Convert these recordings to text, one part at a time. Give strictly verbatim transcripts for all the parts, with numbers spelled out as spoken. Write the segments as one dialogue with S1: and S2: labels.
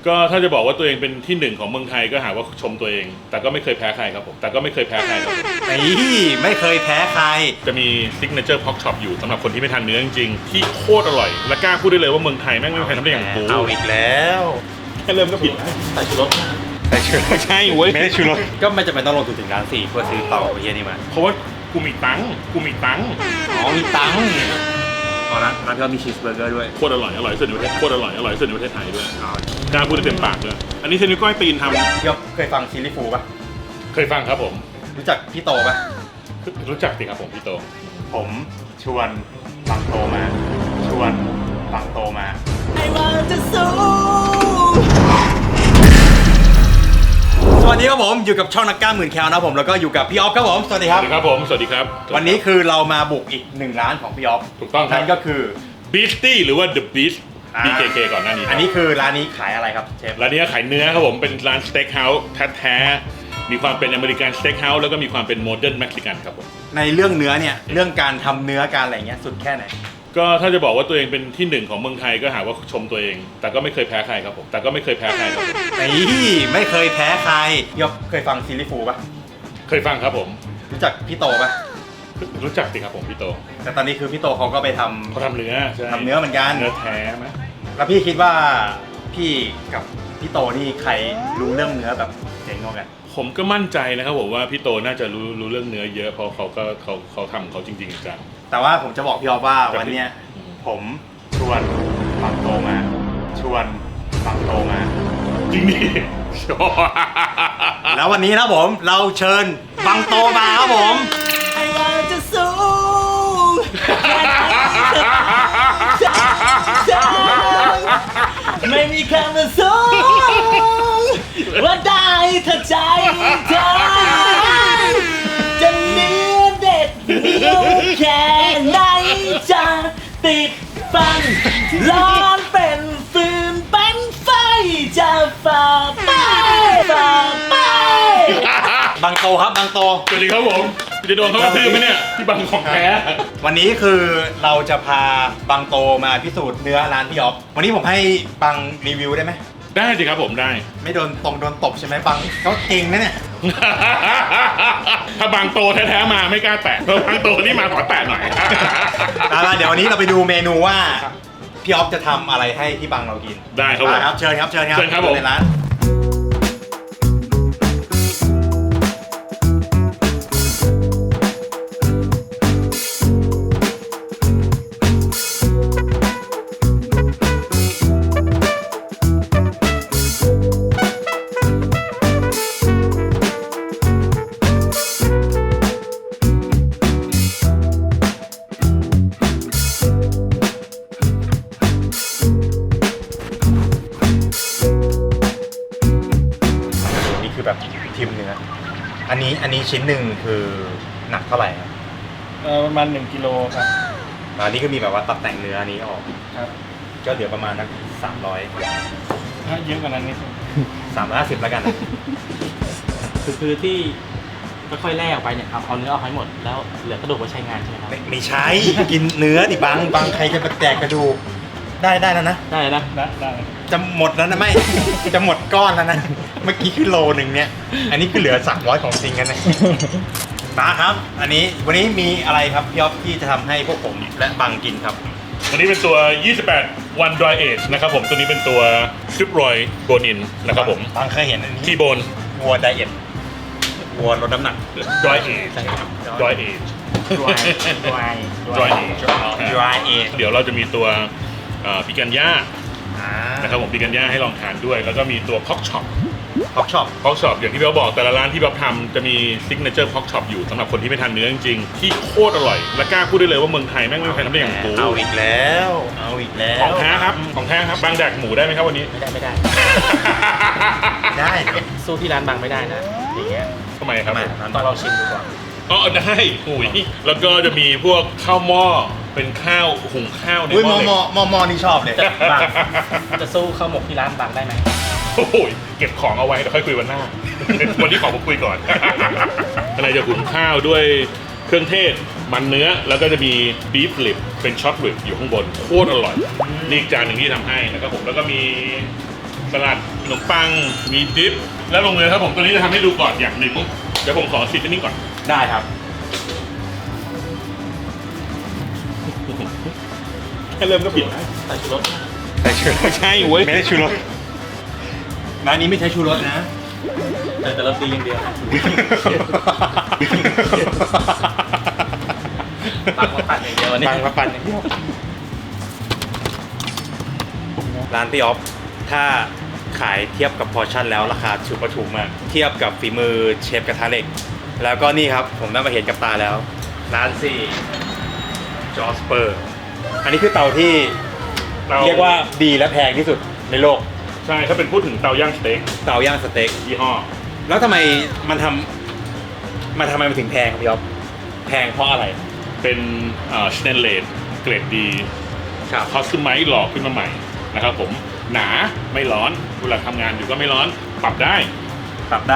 S1: ก็ถ้าจะบอกว่าตัวเองเป็นที่หนึ่งของเมืองไทยก็หาว่าชมตัวเองแต่ก็ไม่เคยแพ้ใครครับผมแต่ก็ไม่เคยแพ้ใครครับ
S2: นี่ไม่เคยแพ้ใคร
S1: จะมีซิกเนเจอร์พ็อกช็อปอยู่สำหรับคนที่ไม่ทานเนื้อจริงๆที่โคตรอร่อยและกล้าพูดได้เลยว่าเมืองไทยแม่งไม่มีใครทำได้อย่างกู
S2: เอาอีกแล้ว
S1: แค่เริ่มก็ผิด
S2: ใส่ชูรส
S1: ใส่ชูรสใช่เว้ย
S2: ไม่ได้ชูรสก็ไม่จำเป็นต้องลงทุนถึงล้านสี่เพื่อซื้อเต่าเฮียนี่มา
S1: เพราะว่ากูมีตังค์กูมีตังค์
S2: อ๋อมีตังค์อ๋อร้านร้านก็มีชีสเบอร์เกอร์ด้วย
S1: โคตรอร่อยอร่อยสุดในประเทศโคตรอร่อยอร่อยสุดในประเทศไทยด้วยกล้าพูดได้เต็มปากเลยอันนี้เซนิก้อยตีนทำ
S2: ยกเคยฟังซิลลี่ฟูป่ะ
S1: เคยฟังครับผม
S2: รู้จักพี่โตป่ะ
S1: รู้จักสิครับผมพี่โต
S2: ผมชวนบังโตมาชวนบังโตมาสวัสดีครับผมอยู่กับช่องนักกล้าหมื่นแคลนะผมแล้วก็อยู่กับพี่ออฟครับผมสวัสดีครับ
S1: สวัสดีครับผมสวัสดีครับ
S2: วันนี้คือเรามาบุกอีกหนึ่งร้านของพี่ออฟ
S1: ถูกต้อง
S2: นั่นก็คือ
S1: Beastie หรือว่า The Beast บี เค เค ก่อนหน้านี้
S2: อันนี้คือร้านนี้ขายอะไรครับเชฟ
S1: ร้านนี้ขายเนื้อครับผมเป็นร้านสเต็กเฮาส์แท้ๆมีความเป็นอเมริกันสเต็กเฮาส์แล้วก็มีความเป็นโมเดิร์นเม็กซิกันครับผม
S2: ในเรื่องเนื้อเนี่ยเรื่องการทำเนื้อการอะไรเงี้ยสุดแค่ไหน
S1: ก็ถ้าจะบอกว่าตัวเองเป็นที่หนึ่งของเมืองไทยก็หาว่าชมตัวเองแต่ก็ไม่เคยแพ้ใครครับผมแต่ก็ไม่เคยแพ้ใครครับผม
S2: นี่ไม่เคยแพ้ใครยกเคยฟังซิลลี่ฟูป่ะ
S1: เคยฟังครับผม
S2: รู้จักพี่โตป่ะ
S1: รู้จักสิครับผมพี่โต
S2: แต่ตอนนี้คือพี่โตเขาก็ไปท
S1: ำเขาทำเนื้อ
S2: ทำเนื้อเหมือนกัน
S1: เนื้อแท้ไหม
S2: แล้วพี่คิดว่าพี่กับพี่โตนี่ใครรู้เรื่องเนื้อแบบเจ๋งกว่ากัน
S1: ผมก็มั่นใจนะครับผมว่าพี่โตน่าจะรู้รู้เรื่องเนื้อเยอะเพราะเขาก็เขาเขาทำเขาจริงๆจัง
S2: แต่ว่าผมจะบอกพี่ออฟว่าวันเนี้ยผมชวนบังโตมาชวนบังโตมา
S1: จริงดิ
S2: แล้ววันนี้นะผมเราเชิญบังโตมาครับผมจะสู้ไม่มีคำว่าสู้ว่าได้ถ้าใจเธอจะเนื้อเด็ดเหนียวแค่ไหนจะติดฟันร้อนเป็นฟืนเป็นไฟจะฝ่าไปฝ่าไปบังโตครับบังโต
S1: สวัสดีครับผมจะโดนเขากระทืบไหมเนี่ยที่บังของแท้
S2: วันนี้คือเราจะพาบังโตมาพิสูจน์เนื้อร้านพี่ออฟวันนี้ผมให้บังรีวิวได้ไหม
S1: ได้สิครับผมได้
S2: ไม่โดนตรงโดนตบใช่ไหมบังเขาเก่งนะเนี่ย
S1: ถ้าบังโตแท้ๆมาไม่กล้าแตะบังโตนี่มาขอแตะหน่อย
S2: เดี๋ยววันนี้เราไปดูเมนูว่าพี่ออฟจะทำอะไรให้พี่บังเรากิน
S1: ได้ครับผม
S2: ครับเชิญครับเชิญครับ
S1: เชิญครับผม
S2: ในร้านแบบทิมเนื้ออันนี้อันนี้ชิ้นหนึ่งคือหนักเท่าไหร่ครับ
S3: เออประมาณหนึ่งกิโลครับ
S2: อันนี้ก็มีแบบว่าตัดแต่งเนื้อนี้ออก
S3: ครับ
S2: ก็เหลือประมาณนักสามร้อย
S3: ถ้าเยอะกว่านั้นนิด
S2: สามร้อยห้าสิบแล้วกัน
S3: คือคือที่ค่อยๆแล่ออกไปเนี่ยครับเอาเนื้อออกให้หมดแล้วเหลือกระดูกไว้ใช้งานใช่ไหมครับ
S2: ไม่ใช่กินเนื้อดิบังบังใครจะมาแจกกระดูกได้ได้แล้วนะ
S3: ได้นะได้
S2: จะหมดแล้วนะไม่จะหมดก้อนแล้วนะเมื่อกี้คือโลหนึ่งเนี่ยอันนี้คือเหลือสามร้อยของจริงกันนะมาครับอันนี้วันนี้มีอะไรครับพี่อ๊อฟที่จะทำให้พวกผมและบังกินครับ
S1: วันนี้เป็นตัวยี่สิบแปด One Dry Age นะครับผมตัวนี้เป็นตัวซิปรอยโบนินนะครับผม
S2: บังเคยเห็นอันนี้
S1: ที่โบน
S2: วัวไดเอทวัวลดน้ำหนัก
S1: Dry Age Dry Age
S3: Dry Dry
S1: Dry Age
S2: Dry Age
S1: เดี๋ยวเราจะมีตัวปิกันย่านะครับผมปิกันย่าให้ลองทานด้วยแล้วก็มีตัวพ็อกช็อป
S2: พ็อกช็อป
S1: พ็อกช็อปอย่างที่พี่บอกแต่ละร้านที่พี่ทำจะมีซิกเนเจอร์พ็อกช็อปอยู่สำหรับคนที่ไม่ทานเนื้อจริงๆที่โคตรอร่อยและกล้าพูดได้เลยว่าเมืองไทยแม่งไม่มีใครทำได้อย่างกู
S2: เอาอีกแล้วเอาอีกแล้ว
S1: ของแท้ครับของแท้ครับบางแดกหมูได้ไหมครับวันนี้
S3: ไม่ได้ไม่ได้
S2: ได้
S3: สู้ที่ร้านบางไม่ได้นะอย่างเงี้ย
S1: ทำไมครับ
S3: ต้องเราชิมดูก่อน
S1: อ๋อได้หุยแล้วก็จะมีพวกข้าวหม้อเป็นข้าวหุงข้าวในหม้อ
S2: เหล็กหม้อหม้อนี่ชอบเลย
S3: จะสู้ข้าวหมกที่ร้านบางได้ไหม
S1: โอ้ยเก็บของเอาไว้เดี๋ยวค่อยคุยวันหน้าวันนี้ขอมาคุยก่อนอะไรจะหุงข้าวด้วยเครื่องเทศมันเนื้อแล้วก็จะมีบีฟลิปเป็นช็อตริบอยู่ข้างบนโคตรอร่อยนี่จานหนึ่งที่ทำให้นะครับผมแล้วก็มีสลัดขนมปังมีดิฟแล้วลงเลยครับผมตัวนี้จะทำให้ดูก่อนอย่างหนึ่งเดี๋ยวผมขอซีซนิ่งก่อน
S3: ได้ครับ
S1: แค่เริ่มก็ผิด
S3: ใส่ชูรส
S4: ใส่ชูรส
S1: ใช่เว้ย
S4: ไม่ได้ชูรสร้านนี้ไม่ใช้ชูรสนะ
S3: แต่แต่รสดีอย่างเดียวนะปังมาปั่นอย่างเดียววันนี้
S4: ปังมาปั่นอย่างเดียวร้านพี่ออฟถ้าขายเทียบกับพอร์ชั่นแล้วราคาถูกประถูกมากเทียบกับฝีมือเชฟกระทะเหล็ก แล้วก็นี่ครับผมได้มาเห็นกับตาแล้ว ร้านสี่จอสเปอร์ อันนี้คือเตาที่
S1: เรา
S4: เรียกว่าดีและแพงที่สุดในโลก
S1: ใช่ถ้าเป็นพูดถึงเตาย่างสเต็ก
S4: เตาย่างสเต็ก
S1: ยี่ห้อ
S4: แล้วทำไมมันทำมันทำไมมันถึงแพงครับพี่อ๊อฟแพงเพราะอะไร
S1: เป็นสเตนเลสเกรดดี
S4: ครับ
S1: คอสตูมไมซ์หล่อขึ้นมาใหม่นะครับผมหนาไม่ร้อนเวลาทำงานอยู่ก็ไม่ร้อนปรับได้
S4: ปรับได้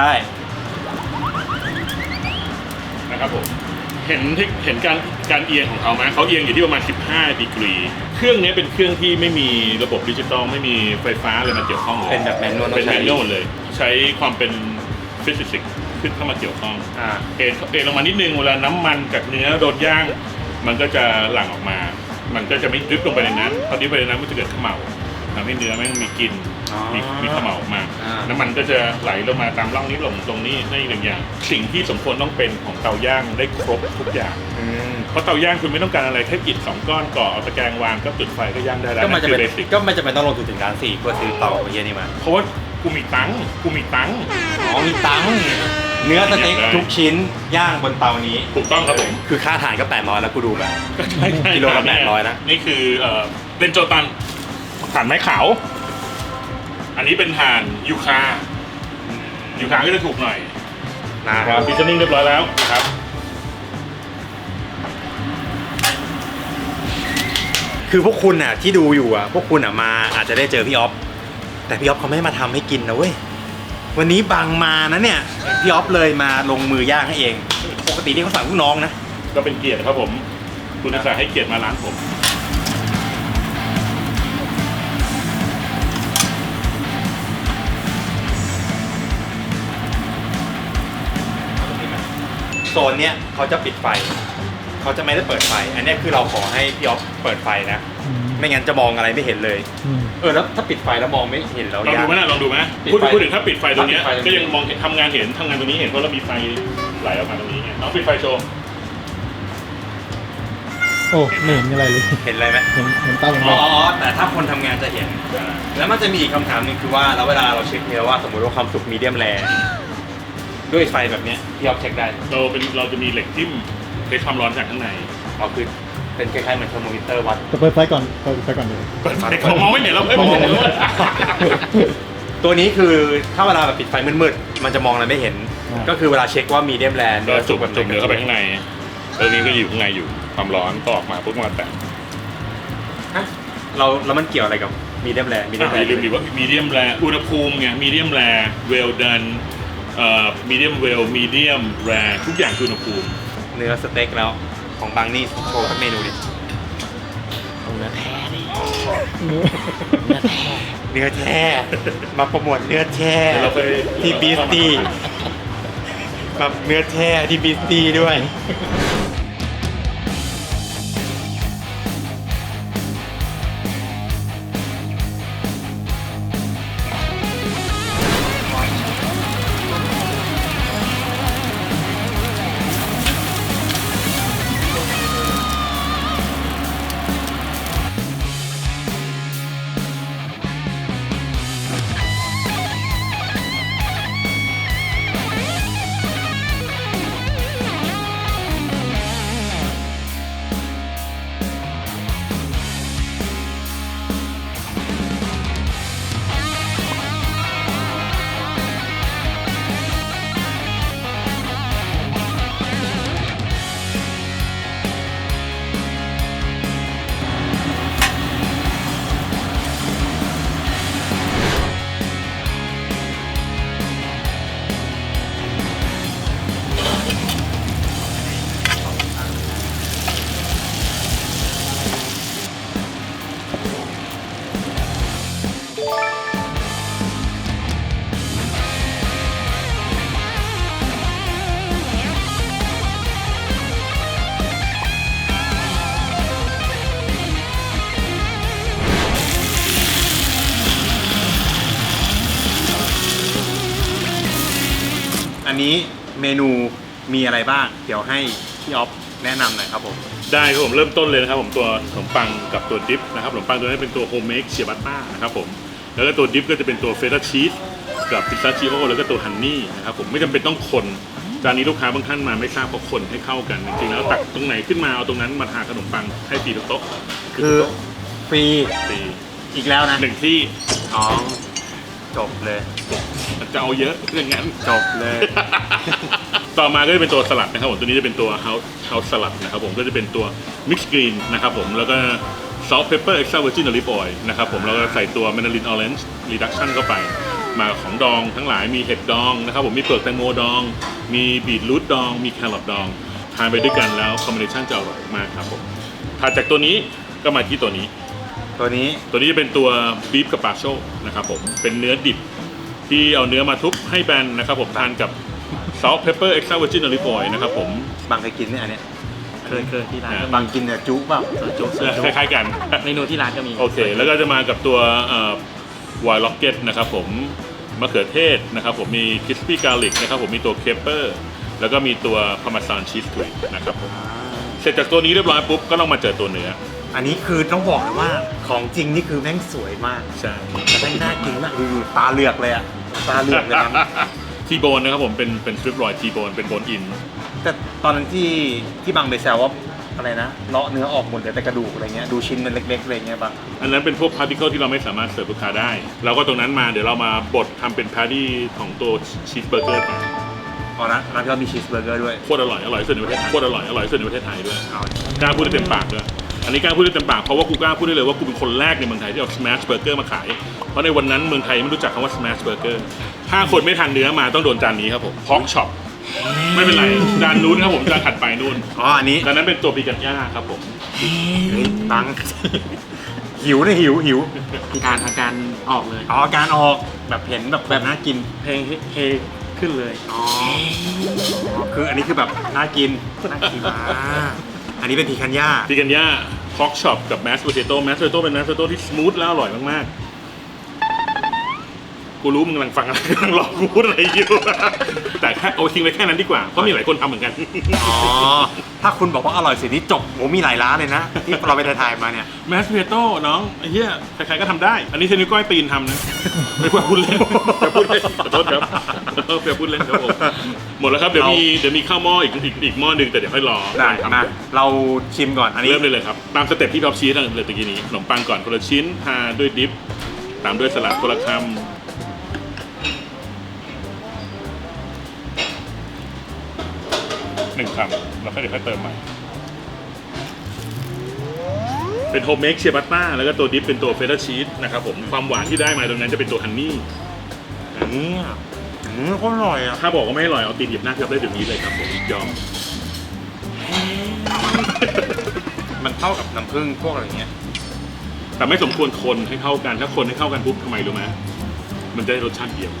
S1: นะครับผมเห็นที่เห็นการการเอียงของเขาไหมเขาเอียงอยู่ที่ประมาณสิบห้าดีกรีเครื่องนี้เป็นเครื่องที่ไม่มีระบบดิจิตอลไม่มีไฟฟ้าอะไรมาเกี่ยวข้องเลย
S4: เป็นแบบแมนนวล
S1: เป็น
S4: ต้อง
S1: แม
S4: ใช้
S1: นนวลหมดเลย ใช้ความเป็นฟิสิกส์ขึ้นเข้ามาเกี่ยวข้อง
S4: อ่า
S1: เอ็นเอ็นลงมานิดนึงเวลาน้ำมันกับเนื้อโดนย่าง มันก็จะหลั่งออกมา มันก็จะไม่ดริบลงไปในนั้นพอดริบไปในนั้นมันจะเกิดเขม่าทำให้เนื้อแม่งมีกลิ่น
S4: อ๋อ
S1: มีมีเขม่าออกมา
S4: อ่า
S1: น้ำมันก็จะไหลลงมาตามร่องนี้ลงตรงนี้นี่หนึ่งอย่าง สิ่งที่สมควรต้องเป็นของเตาย่างได้ครบทุกอย่าง
S4: อืม
S1: เพราะเตาย่างคุณไม่ต้องการอะไรแค่อิฐสองก้อนก่อเอาตะแกรงวางก็จุดไฟก็ย่างได้แล้ว
S4: ก็มันจะ
S1: คื
S4: เป็น
S1: เบสิก
S4: ก็ไม่จำเป็นต้องลงทุนถึงร้านสี่เพื่อซื้อเตาเยี่ยนี่มา
S1: เพราะว่ากูมีตังค์กูมีตังค์
S4: อ๋อมีตังค์เนื้อสเต็กทุกชิ้นย่างบนเตานี้
S1: ถูกต้องครับผม
S4: คือค่าอาหารก็แปดร้อยแล้วกูดูแบบ
S1: ก็ใช่ใช่
S4: กิโลละแปดร้อยนะ
S1: นี่คือเอ่อเป็นโจตันถ่านไม้ขาว อันนี้เป็นถ่านยูคายูคาก็จะถูกหน่อย
S4: นะครับ
S1: ฟิชนิ่งเรียบร้อยแล้วนะครับ
S4: คือพวกคุณน่ะที่ดูอยู่อ่ะพวกคุณอ่ะมาอาจจะได้เจอพี่ออฟแต่พี่ออฟเขาไม่ได้มาทำให้กินนะเว้ยวันนี้บางมานะเนี่ยพี่ออฟเลยมาลงมือย่างให้เองปกตินี่เขาสั่งลูกน้องนะ
S1: ก็เป็นเกียรติครับผม คุณอาสาให้เกียรติมาร้านผม
S4: โซนเนี้ยเขาจะปิดไฟเขาจะไม่ได้เปิดไฟ อันเนี้ยคือเราขอให้พี่ออฟเปิดไฟนะ ไม่งั้นจะมองอะไรไม่เห็นเลย เออแล้วถ้าปิดไฟแล้วมองไม่เห็นแล้ว
S1: ลองดูไหมนะลองดูไหม
S3: ปิด
S1: พูด
S3: ไฟ
S1: พูดถึงถ้าปิดไฟตรงเนี้ย
S3: ถ้าปิดไฟ
S1: ก็ยังมองเห็นทำงานเห็นทำงานตรงนี้เห็นเพราะเรามีไฟไหลออกมาตรงนี้ไงน้องปิดไฟโชว์
S2: โอ้ไม่เห็นอะไรเลย
S4: เห็นอะไรไหม
S2: เห็นเห็นเต้าอย่าง
S4: อ๋
S2: เดี
S4: อ
S2: ยว
S4: อ๋อแต่ถ้าคนทำงานจะเห็น แล้วมันจะมีอีกคำถามหนึงคือว่าแล้วเวลาเราเช็คเนื้อว่าสมมติว่าความสุกมีเดียมแรด้วยไฟแบบเนี้ยพี่ออฟเช็คได้
S1: เราเป็นเราจะมีเหล็กจิ้มเทสความร้อนจากข้างใน
S4: อ๋อคือเป็นคล้ายๆเหมือนเทอร์โมมิเตอร์วัด
S2: จะเปิดไฟก่อนเปิดไฟก่อนเลย
S1: เปิดไฟเขามองไม่เห็นเราเอ้ยมองไม่เห็นเรา
S4: ตัวนี้คือถ้าเวลาแบบปิดไฟมืดๆมันจะมองอะไรไม่เห็น ก็คือเวลาเช็คว่ามีเดียมแร
S1: ก็จุกแบบจุกเนื้อเข้าไปข้างในเออนี้ก็อยู่ข้างในอยู่ความร้อนก็ออกมาปุ๊บมาแตะ
S4: ฮะเราแล้วมันเกี่ยวอะไรกับมีเดียมแรมีเดียมแร
S1: อย่าลืมดิว่ามีเดียมแรอุณหภูมิไงมีเดียมแรเวลดันเอ่อมีเดียมเวลมีเดียมแรทุกอย่างคืออุณหภูมิ
S4: เนื้อสเต็กแล้วของบางนี่โชว์สักเมนูดิ
S3: เนื้อแท้ดิ
S2: เนื้อ
S3: เนื้อแท้
S4: เนื้อแท้มาโปรโมทเนื้อแท้
S1: เดี๋ยวเราไป
S4: ที่บีสตี้มาเนื้อแท้ที่บีสตี้ด้วยอันนี้เมนูมีอะไรบ้าง เดี๋ยวให้พี่ออฟแนะนำหน่อยครับผม
S1: ได้ครับผมเริ่มต้นเลยนะครับผมตัวขนมปังกับตัวดิฟนะครับขนมปังตัวนี้เป็นตัวโฮมเมคเชียบัตต้านะครับผมแล้วก็ตัวดิฟก็จะเป็นตัวเฟต้าชีสกับพิซซ่าชิโอแล้วก็ตัวฮันนี่นะครับผมไม่จำเป็นต้องคนจานนี้ลูกค้าบางท่านมาไม่ทราบเพราะคนให้เข้ากันจริงๆแล้วตักตรงไหนขึ้นมาเอาตรงนั้นมาทาขนมปังให้ฟรีทุกโต๊ะ
S4: คือฟรี
S1: ฟรี
S4: อีกแล้วนะ
S1: หนึ่งที่
S4: อ๋อจบเลย
S1: จะเอาเยอะเรื่องงั้น
S4: จบเลย
S1: ต่อมาก็จะเป็นตัวสลัดนะครับผมตัวนี้จะเป็นตัว house house สลัดนะครับผมก็จะเป็นตัว mix green นะครับผมแล้วก็ salt pepper extra virgin olive oil นะครับผมแล้วก็ใส่ตัว mandarin orange reduction เข้าไปมาของดองทั้งหลายมีเห็ดดองนะครับผมมีเปลือกแตงโมดอง มีบีทรูทดอง มีแครอทดองทานไปด้วยกันแล้วคอมบิเนชันจะอร่อยมากครับผมถัดจากตัวนี้ก็มาที่ตัวนี้
S4: ตัวนี้
S1: ตัวนี้จะเป็นตัวบีฟกับปาโชนะครับผมเป็นเนื้อดิบที่เอาเนื้อมาทุบให้แบนนะครับผมทานกับ salt pepper extra virgin olive oil นะครับผม
S4: บางเคยกินเนี่ยอันเนี้ย
S3: เคยเคยที่ร้าน
S1: อ่า
S3: ก็
S4: บางกินเนี่ยจุเปล่า
S3: จุจุ
S1: คล้ายๆกัน
S3: เมนูที่ร้านก็มี
S1: โอเค แล้วก็จะมากับตัววายล็อกเก็ตนะครับผมมะเขือเทศนะครับผมมีคริสปี้การลิกนะครับผมมีตัวเคปเปอร์แล้วก็มีตัวพาร์เมซานชีสทวิกนะครับผมเสร็จจากตัวนี้เรียบร้อยปุ๊บก็ต้องมาเจอตัวเนื้อ
S4: อันนี้คือต้องบอกเลยว่าของจริงนี่คือแม่งสวยมาก
S1: ใช่
S4: แต่แม่งน่ากินมากดูตาเหลือกเลยอะตาเหลือกเลยนะ
S1: ทีโบนนะครับผมเป็นเป็นสตริปรอยทีโบนเป็นโบนอิน
S4: แต่ตอนนั้นที่ที่บางไปแซวว่าอะไรนะเลาะเนื้อออกหมดเหลือแต่กระดูกอะไรเงี้ยดูชิ้นมันเล็กๆอะไรเงี้ยบาง
S1: อันนั้นเป็นพวกพาร์ติเคิลที่เราไม่สามารถเสิร์ฟลูกค้าได้ เราก็ตรงนั้นมาเดี๋ยวเรามาบดทำเป็นพาร์ตี้ของตัวชีสเบอร์เกอร์แทน
S4: อ๋อนะร้านพี่เรามีชีสเบอร์เกอร์ด้วย
S1: โคตรอร่อยอร่อยที่สุดในประเทศไทยโคตรอร่อยอร่อยที่สุดในประเทศไทยด้วย
S4: เอา
S1: กล้าพูดได้เต็มปากด้วยอันนี้กล้าพูดได้เต็มปากเพราะว่ากูกล้าพูดได้เลยว่ากูเป็นคนแรกในเมืองไทยที่เอา smash burger มาขายเพราะในวันนั้นเมืองไทยไม่รู้จักคำว่า smash burger ถ้าคนไม่ทานเนื้อมาต้องโดนจานนี้ครับผม pork chop ไม่เป็นไรจานนู้นครับผมจานถัดไปนู่น
S4: อ๋ออันนี้
S1: จานนั้นเป็นตัวปีกัญญาครับผม
S4: เฮ้ยบัง หิวเลยหิวหิว
S3: อาการอาการออกเลย
S4: อ๋อการออกแบบเห็นแบบแบบน่ากิน
S3: เพลงเฮขึ้นเลย
S4: อ๋อคืออันนี้คือแบบน่ากิน
S3: น่ากิน
S4: อ่าอันนี้เป็นพีคันย่า
S1: ปีกัญญา pork chop กับ mashed potato mashed potato เป็น mashed potato ที่ smooth แล้วอร่อยมากๆกูรู้มึงกำลังฟังอะไรกำลังรอกูพูดอะไรอยู่ แต่แค่เอาทิ้งไว้แค่นั้นดีกว่าเพราะมีหลายคนทำเหมือนกัน
S4: อ๋อถ้าคุณบอกว่าอร่อยเสินี่จบโหมีหลายร้านเลยนะ ที่เราไปถ่ายๆมาเนี่ย
S1: แมสเพโต้น้องไอ้เหี้ยใครๆก็ทำได้ อันนี้เทนิวก้อยตีนทำนะ ไม่ควรพูดเล่นอย่าพูดเล่นขอโทษครับเอออย่าพูดเล่นครับผมหมดแล้วครับเดี๋ยวมีเดี๋ยวมีข้าวหม้ออีกอีกอีกหม้อหนึ่งแต่เดี๋ยวค่อยรอ
S4: ได้
S1: ทำ
S4: มาเราชิมก่อนอันนี้
S1: เริ่มเลยเลยครับตามสเต็ปที่ท็อปชีสเลยตะกี้นี้ขนมปังก่อนคนละชิ้นทาด้วยดิฟตามด้วยสลัดคนละคำหนึ่งคำแล้วก็เดี๋ยวค่อยเติมใหม่เป็นโฮมเมคเชียบัตต้าแล้วก็ตัวดิฟเป็นตัวเฟต้าชีสนะครับผมความหวานที่ได้มาตรงนั้นจะเป็นตัวฮันนี่
S4: อันนี้อ่ะอืมก็อร่อยอ่ะ
S1: ถ้าบอกว่าไม่อร่อยเอาตีนหยิบหน้าพี่อ๊อฟได้เดี๋ยวนี้เลยครับผมยอม
S4: มันเข้ากับน้ำผึ้งพวกอะไรเงี้ย
S1: แต่ไม่สมควรคนให้เข้ากันถ้าคนให้เข้ากันปุ๊บทำไมรู้ไหมมันจะได้รสชาติเดียว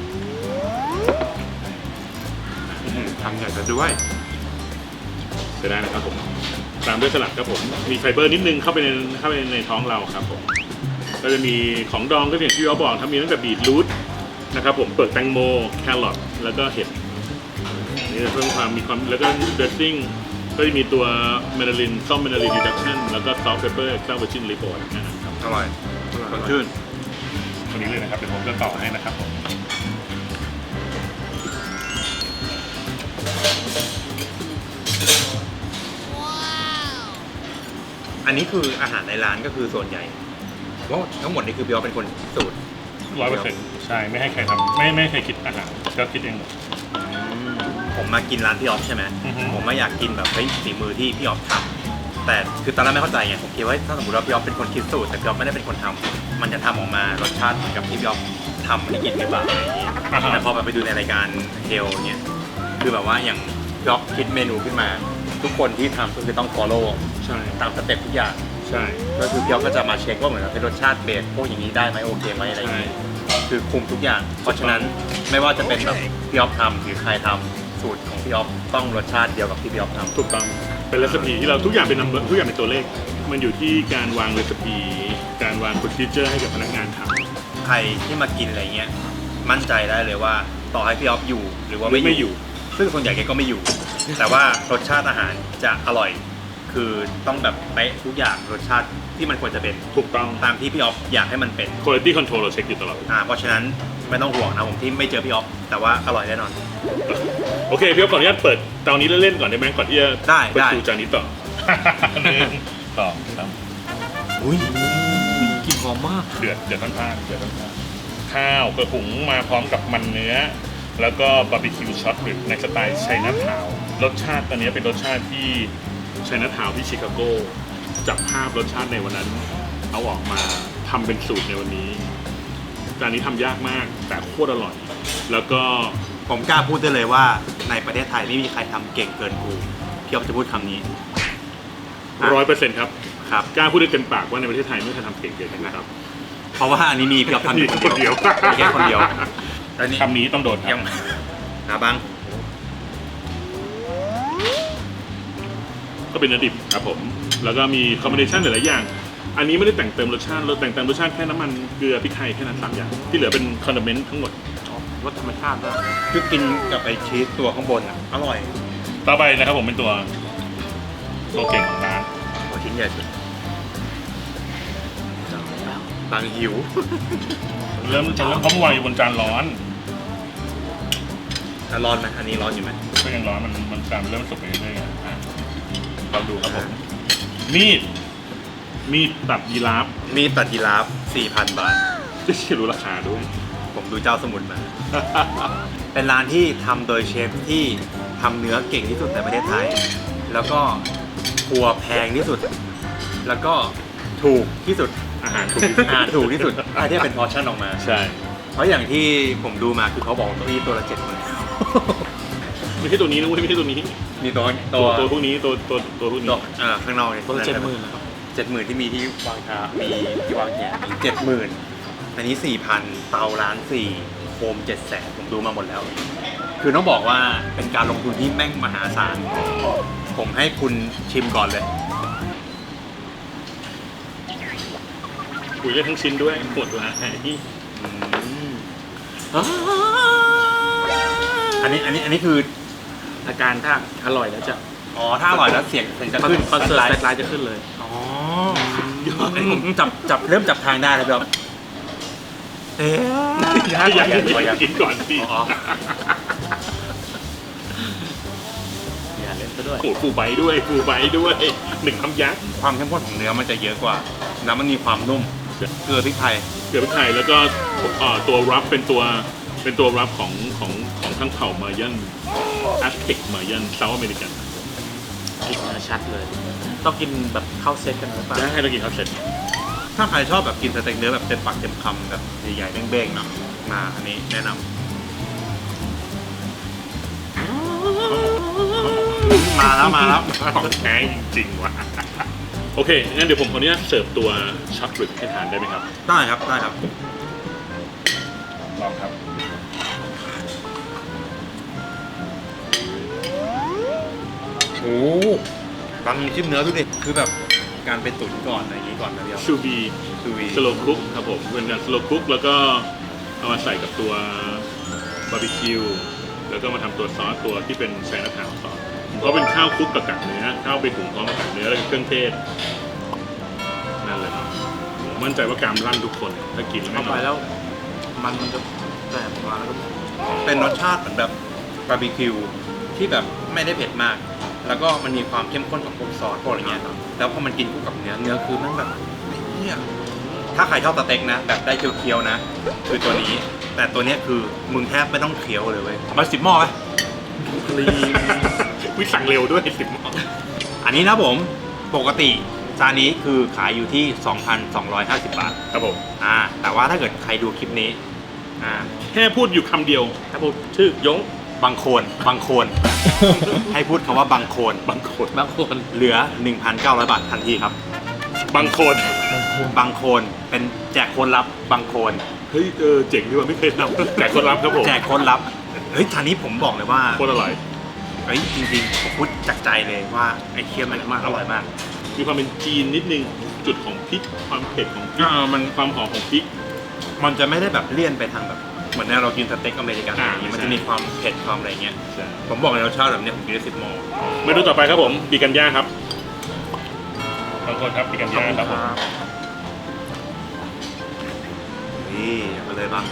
S4: ทำใหญ่แต่ด้วย
S1: จะได้นะครับผมตามด้วยสลัดครับผมมีไฟเบอร์นิดนึงเข้าไปในเข้าไปในท้องเราครับผมก็จะมีของดองก็อย่างที่พี่อ๊อฟบอกทำมีตั้งแต่บีทรูทนะครับผมเปลือกแตงโมแครอทแล้วก็เห็ดนี่จะเพิ่มความมีความแล้วก็เดรสซิ่งก็จะมีตัวเมนาลินซอมเมนาลินรีดักชั่นแล้วก็ซอสเพปเปอร์ซาเวอร์จินลิโปนนะครับ
S4: อร่อยสดชื่น
S1: ตรงนี้เลยนะครับเดี๋ยวผมจะต่อให้นะครับผม
S4: อันนี้คืออาหารในร้านก็คือส่วนใหญ่ว่าทั้งหมดนี่คือพี่อ๊อฟเป็นคนสูตร
S1: ร้อยเปอร์เซ็นต์ใช่ไม่ให้ใครทำไม่ไม่ให้ใครคิดอาหารก็คิดเองหมด
S4: ผมมากินร้านพี่อ๊อฟใช่ไหม
S1: อือฮึ
S4: ผมไม่อยากกินแบบเฮ้ยฝีมือที่พี่อ๊อฟทำแต่คือตอนแรกไม่เข้าใจไงผมคิดว่าถ้าสมมติว่าพี่อ๊อฟเป็นคนคิดสูตรแต่พี่อ๊อฟไม่ได้เป็นคนทำมันจะทำออกมารสชาติเหมือนกับที่พี่อ๊อฟทำให้กินหรือเปล่าอะไรอย่างเงี้ย
S1: อ่าฮะ
S4: แต่พอไปดูในรายการเฮลเนี่ยคือแบบว่าอย่างพี่อ๊อฟคิดเมนูขึ้นมา ทุกคนที่ทำก็คือต้อง follow
S1: ใช่
S4: ตามสเต็ปทุกอย่าง
S1: ใช่
S4: ก็คือพี่อ๊อฟก็จะมาเช็คว่าเหมือนกับเป็นรสชาติเบสพวกอย่างนี้ได้ไหมโอเคไหมอะไรอย่าง
S1: ใช่
S4: นี้คือคุมทุกอย่าง เพราะฉะนั้นไม่ว่าจะเป็นแบบพี่อ๊อฟทำหรือใครทำสูตรของพี่อ๊อฟต้องรสชาติเดียวกับที่พี่อ๊อฟทำ
S1: ถูกต้องเป็นเรซิปีที่เราทุกอย่างเป็น number ทุกอย่างเป็นตัวเลข มันอยู่ที่การวางเรซิปีการวาง procedure ให้กับพนักงานทำ
S4: ใครที่มากินอะไรเงี้ยมั่นใจได้เลยว่าต่อให้พี่อ๊อฟอยู่หรือว่า
S1: หรือไม่
S4: ไม่
S1: อ
S4: อยู่
S1: ยู่
S4: ซึ่งส่วนใหญ่แกก็ไม่อยู่ แต่ว่ารสชาติอาหารจะอร่อย คือต้องแบบเป๊ะทุกอย่างรสชาติที่มันควรจะเป็น
S1: ถูกต้อง
S4: ตามที่พี่ออฟอยากให้มันเป็น
S1: quality control เราเช็คอยู่ตลอด
S4: อ่าเพราะฉะนั้นไม่ต้องห่วงนะผมที่ไม่เจอพี่ออฟแต่ว่าอร่อยแน่นอน
S1: โอเคพี่อ๊อฟขออนุญาตเปิดเตานี้เล่นๆก่อนได้ไหมก่อนที่จะ
S4: ได้
S1: เปิด
S4: ได้
S1: ดูจานนี้ต่อ หนึ่งสองสาม
S4: อุ้ย
S2: กลิ่นหอมมาก
S1: เดือดเดือดทั้งทางเดือดทั้งทางข้าวกระหุงมาพร้อมกับมันเนื้อ แล้วก็บาร์บีคิวช็อตหรือในสไตล์ไชน่าทาวน์รสชาติตอนนี้เป็นรสชาติที่ไชน่าทาวน์ที่ชิคาโกจับภาพรสชาติในวันนั้น เอาออกมาทำเป็นสูตรในวันนี้จานนี้ทำยากมากแต่โคตรอร่อย แล้วก็
S4: ผมกล้าพูดได้เลยว่าในประเทศไทยไม่มีใครทำเก่งเกินกูพี่ออฟจะพูดคำนี้
S1: ร้อยเปอร์เซ็นต์ครับ
S4: ครับ
S1: กล้าพูดได้เต็มปากว่าในประเทศไทยไม่เคยทำเก่งเลยนะครับ
S4: เพราะว่าอันนี้มีพี่ออฟทำอยู่
S1: คนเดียว
S4: มีแค่คนเดียวแล้วนี่
S1: คำนี้ต้องโดนค
S4: ยั
S1: รั
S4: ง
S1: บ
S4: หาบ้าง
S1: ก็เป็นเนื้อดิบครับผม แล้วก็มีคอมบิเนชันหลายๆอย่าง อันนี้ไม่ได้แต่งเติมรสชาติเราแต่งเติมรสชาติแค่น้ำมันเกลือพริกไทยแค่นั้นสามอย่าง ที่เหลือเป็นคอนดิเมนต์ทั้งหมด
S2: รสธรรมชาติด้วย
S4: คือกินกับไอชีสตัวข้างบนอ่ะอร่อย
S1: ต่อไปนะครับผมเป็นตัวตัวเก่งของร้าน
S4: โอ้ชิ้นใหญ่สุดบางหิว
S1: เริ่มจะเริ่มเพราะเมื่อวานอยู่บนจานร้อน
S4: อ่ะร้อนไหมอันนี้ร้อนอยู่ไหม
S1: ก็ยังร้อนมันมันจานเริ่มสุกไปเรื่อยๆอ่ะเราดูครับผม มีด มีดตัดยีราฟ
S4: มีตัดยีราฟ สี่พัน บาท
S1: จะเชื่อรู้ราคาด้วย
S4: ผมดูเจ้าสมุนมา เป็นร้านที่ทำโดยเชฟที่ทำเนื้อเก่งที่สุดในประเทศไทย แล้วก็ครัวแพงที่สุด แล้วก็ถูกที่สุด
S1: อาหารถูกที่สุด
S4: อาหารถูกที่สุดถ้าเทียบเป็นพอร์ชั่นออกมา
S1: ใช่
S4: เพราะอย่างที่ผมดูมาคือเขาบอกเก้าอี้ตัวละเจ็ดหมื่น
S1: ไม่ใช่ตัวนี้นะเว้ยไม่ใช่ตัวนี้
S4: มีตัว
S1: ตั
S4: ตัว ว
S1: ตัวพวกนี้ตัวตัวตัวพวกนี้
S4: ตัวอ่าข้างนอกเนี่ย
S2: ตัวละเจ็ดหมื่นนะครับ
S4: เจ็ดหมื่นที่มีที่วางชามีที่วางแขนมีเจ็ดหมื่นอันนี้สี่พันเตาล้านสี่โคมเจ็ดแสนผมดูมาหมดแล้ว คือต้องบอกว่าเป็นการลงทุนที่แม่งมหาศาล ผมให้คุณชิมก่อนเลย
S1: คุยกันทั้งชิ้นด้วยหมดละ
S4: อันนี้อันนี้อันนี้คือ
S2: อาการถ้าอร่อยแล้วจะ
S4: อ๋อถ้าอร่อยแล้วเสียงเสียงจะขึ้น
S2: คอนเสิร์ต
S4: ไล
S2: แฟล
S4: ท์
S2: ชไลท์จะขึ้นเลย
S4: อ๋ออันนี้ผมจับจับเริ่มจับทางได้แล้วครับเอ๊ะ
S1: อยากอยากอยากกินก่อนสิ
S4: อ๋อ
S2: อย่าเล่นซะด้วย
S1: โอ้โหฟูใบด้วยฟูใบด้วยหนึ่งคำยักษ์
S4: ความเข้มข้นของเนื้อมันจะเยอะกว่าแล้วมันมีความนุ่มเกลือพริกไทย
S1: เกลือพริกไทยแล้วก็เอ่อตัวรับเป็นตัวเป็นตัวรับของของของทั้งเผ่ามายันแอสเท็กมายันเซาท์อเมริกัน
S2: กลิ่นเนื้อชัดเลย ต้องกินแบบเข้าเซตกันหรือเปล่า
S1: จะให้เรากินข้าวเสร็จ
S4: ถ้าใครชอบแบบกินสเต็กเนื้อแบบเต็มปากเต็มคำแบบใหญ่ๆเบ้งๆเนาะมาอันนี้แนะนำมาแล้วมาแล้ว
S1: ของแท้จริงๆว่ะโอเคงั้นเดี๋ยวผมขออนุญาตเสิร์ฟตัวช็อตบริกให้ทานได้ไหมครับ
S4: ได้ครับได้ครับ
S1: ลองครับ
S4: โอ้ฟังชิมเนื้อดูดิคือแบบการไปตุ๋นก่อนอะไรอย่างงี้ก่อนนะเดียว
S1: ชูบี
S4: ซูวี
S1: สโลคุกครับผมเป็นการสโลคุกแล้วก็เอามาใส่กับตัวบาร์บีคิวแล้วก็มาทำตัวซอสตัวที่เป็นไชน่าทาวน์ซอสเพราะเป็นข้าวคลุกกับกากเนื้อข้าวไปหุงพร้อมกับกากเนื้อแล้วก็เครื่องเทศนั่นเลยครับผมมั่นใจว่ากรามลั่นทุกคนถ้ากินแล้ว
S2: เข้า
S1: ไม่
S2: ไป
S1: นอน
S2: แล้ว มันมันจะแตกออกมาแล้วก็
S4: เป็นรสชาติเหมือนแบบบาร์บีคิวที่แบบไม่ได้เผ็ดมาก แล้วก็มันมีความเข้มข้นของพวกซอสพวกอะไรเงี้ยแล้วพอมันกินคู่กับเนื้อเนื้อคือมันแบบไอ้เหี้ยถ้าใครชอบสเต็กนะ แบบได้เคี้ยวๆนะ คือตัวนี้ แต่ตัวเนี้ยคือมึงแทบไม่ต้องเคี้ยวเลยเว้ยเอามาสิบหม้อไหม
S1: ลีวิสั่งเร็วด้วยสิบหม้อ
S4: อันนี้นะผมปกติจานนี้คือขายอยู่ที่ สองพันสองร้อยห้าสิบ บาท
S1: ครับผม
S4: อ่าแต่ว่าถ้าเกิดใครดูคลิปนี้อ่า
S1: แค่พูดอยู่คำเดียว
S2: ถ้าพูดชื่อยง
S4: บางโคนบางโคน ให้พูดคำว่าบางโคน
S1: บางคน
S2: บางคน
S4: เหลือ หนึ่งพันเก้าร้อย บาททันทีครับ
S1: บางคน
S4: บางโคนเป็นแจกโคนรับบางโคน
S1: เฮ้ยเออเจ๋งดีว่าไม่เคยทำแจกคนรับครับผม
S4: แจกโคนรับเฮ้ยทานนี้ผมบอกเลยว่า
S1: โคตรอร่อย
S4: เฮ้ยจริงๆผมพูดจากใจเลยว่าไอ้เคี่ยวมันมากอร่อยมาก
S1: มีความเป็นจีนนิดนึงจุดของพริกความเผ็ดของพริก
S4: อ่ามัน
S1: ความหอมของพริก
S4: มันจะไม่ได้แบบเลี่ยนไปทางแบบเหมือนเรากินสเต็กอเมริกันอะไรอย่างงี้มันจะมีความเผ็ดความอะไรเงี้ย
S1: ใช่
S4: ผมบอกเลยรสชาติแบบเนี้ยผมกินได้สิบหม้อ
S1: เมนูต่อไปครับผมปีกันย่างครับบางคนครับปีกันย่างครับผม
S4: นี่มาเลยบ้าง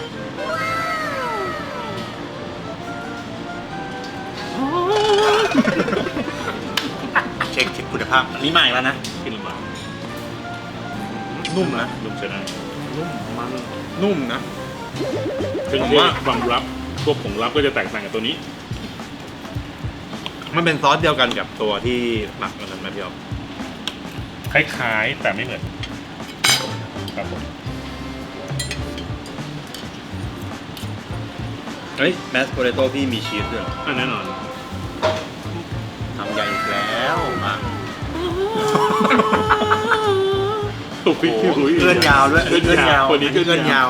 S4: เช็คเช็คคุณภาพอันนี้ใหม่แล้วนะ
S1: ขึ้นมา
S4: นุ่มนะ
S1: นุ่มใช่ไหม
S4: นุ่มมันนุ่มนะ
S1: ซึ่ง
S4: ผมว่า
S1: ความลับพวกผงลับก็จะแตกต่างกับตัวนี้
S4: มันเป็นซอสเดียวกันกับตัวที่หมักกันไหมพี่อ๊อฟ
S1: คล้ายๆแต่ไม่เหมือนครับผม
S4: เฮ้ยแมสโพเตโต้พี่มีชีสด้วยเหรอ
S1: อ่ะแน่นอน
S4: ทำใหญ่อีกแล้วมา
S1: ตุกพี่พี่หุย
S4: เลื่อนยาวด้วย
S1: เลื่อนยาวคนนี้
S4: เลื่
S1: เลื่
S4: อ
S1: อน นยาย
S4: าว ว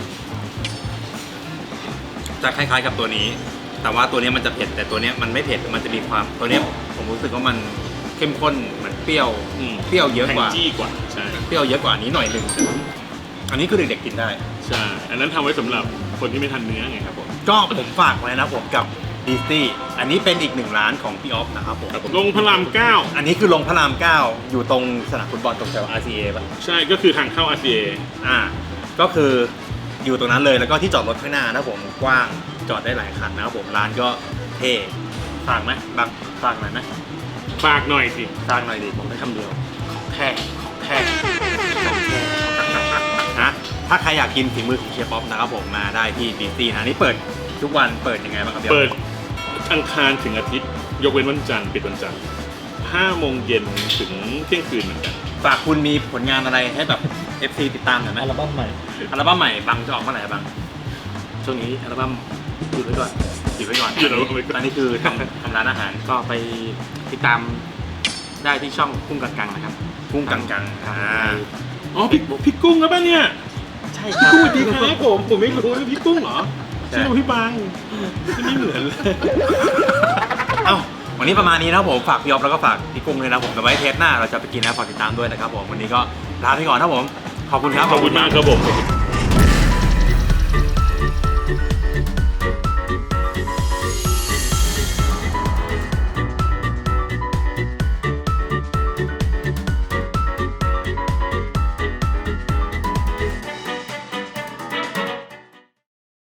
S4: จะคล้ายๆกับตัวนี้ แต่ว่าตัวนี้มันจะเผ็ดแต่ตัวนี้มันไม่เผ็ดมันจะมีความตัวนี้ผมรู้สึกว่ามันเข้มข้นเหมือนเปรี้ยว
S1: อืม
S4: เปรี้ยวเยอะกว่า
S1: แทงจี้กว่าใช่
S4: เปรี้ยวเยอะกว่านี้หน่อยหนึ่งอันนี้คือเด็กๆกินได้
S1: ใช่อันนั้นทำไว้สำหรับคนที่ไม่ทานเนื้อไงครับผม
S4: ก็ผมฝากไว้นะผมกับดิสตี้อันนี้เป็นอีกหนึ่งร้านของพี่ออฟนะครับผม
S1: ครับผมลงพระรามเก้า
S4: อันนี้คือลงพระรามเก้าอยู่ตรงสนามฟุตบอลตรงแถว อาร์ ซี เอ ป่ะ
S1: ใช่ก็คือทางเข้า อาร์ ซี เอ
S4: อ่า ก็คืออยู่ตรงนั้นเลยแล้วก็ที่จอดรถข้างหน้านะผมกว้างจอดได้หลายคันนะครับผมร้านก็เท่ฝากไหมบางฝากหน่อยไหม
S1: ฝากหน่อยสิ
S4: ฝากหน่อยดิผมได้คำเดียวของแท้ของแท้ของแท้นะถ้าใครอยากกินฝีมือของเชฟป๊อปนะครับผมมาได้ที่ดิสตี้นะนี่เปิดทุกวันเปิดยังไงบ้างครับพี่ออฟ
S1: เปิดอังคารถึงอาทิตย์ ยกเว้นวันจันทร์ปิดวันจันทร์ห้าโมงเย็นถึงเที่ยงคืนเหมือนกัน
S4: ฝากคุณมีผลงานอะไรให้แบบ เอฟ ซี ติดตามหน่อยไหม
S2: อัลบั้มใหม่
S4: อัลบั้มใหม่บังจะออกเมื่อไหร่บัง
S3: ช่วงนี้อัลบั้มหยุดไว้ก่อน
S4: หยิบไว้ก่อน
S1: หยุดเอาไว้ก่อน
S4: อันนี้คือทำทำร้านอาหาร
S3: ก็ไปติดตามได้ที่ช่องกุ้งกังกังนะครับ
S4: กุ้งกังกัง
S3: ครับ
S4: อ่า
S1: อ๋อพี่พี่กุ้งครับป่ะเนี่ย
S3: ใช่ครับ
S1: สวัสดีครับผมผมไม่รู้ว่าพี่กุ้งเหรอชื่อพี่บางชื่อไม่เหมือนเลย
S4: เอ้าวันนี้ประมาณนี้นะครับผมฝากพี่ออฟแล้วก็ฝากพี่กุ้งเลยนะผมแต่ไว้เทปหน้าเราจะไปกินนะฝากติดตามด้วยนะครับผมวันนี้ก็ลาไปก่อนนะครับผมขอบคุณครับ
S1: ขอบคุณมากครับผม